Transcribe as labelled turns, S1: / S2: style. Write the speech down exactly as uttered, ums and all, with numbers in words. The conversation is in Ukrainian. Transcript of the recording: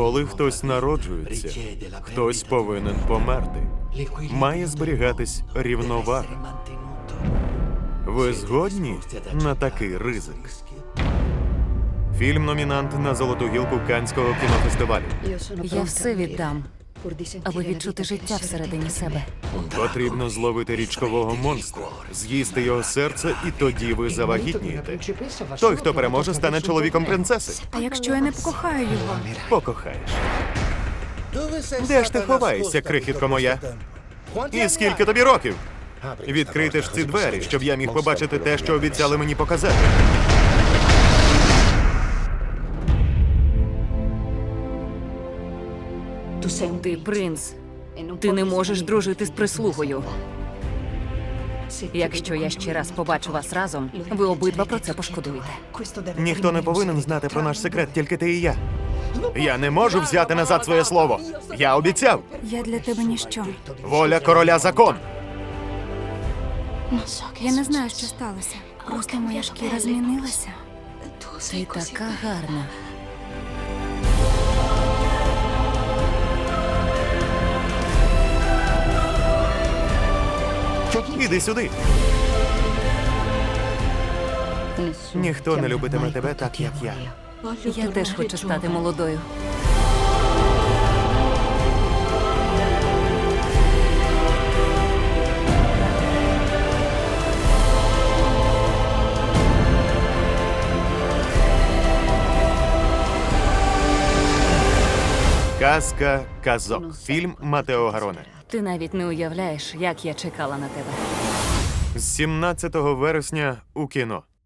S1: Коли хтось народжується, хтось повинен померти. Має зберігатись рівновага. Ви згодні на такий ризик? Фільм-номінант на Золоту гілку Каннського кінофестивалю.
S2: Я все віддам, аби відчути життя всередині себе.
S1: Потрібно зловити річкового монстра, з'їсти його серце, і тоді ви завагітнієте. Той, хто переможе, стане чоловіком принцеси.
S2: А якщо я не покохаю його?
S1: Покохаєш. Де ж ти ховаєшся, крихітко моя? І скільки тобі років? Відкрийте ж ці двері, щоб я міг побачити те, що обіцяли мені показати.
S2: Ти принц. Ти не можеш дружити з прислугою. Якщо я ще раз побачу вас разом, ви обидва про це пошкодуєте.
S1: Ніхто не повинен знати про наш секрет, тільки ти і я. Я не можу взяти назад своє слово. Я обіцяв.
S2: Я для тебе ніщо.
S1: Воля короля закон.
S2: Я не знаю, що сталося. Просто моя шкіра змінилася. Ти така гарна.
S1: Іди сюди. Ніхто не любитиме тебе так, як я.
S2: Я теж хочу стати молодою.
S1: Казка казок. Фільм Матео Гароне.
S2: Ти навіть не уявляєш, як я чекала на тебе.
S1: З сімнадцятого вересня у кіно.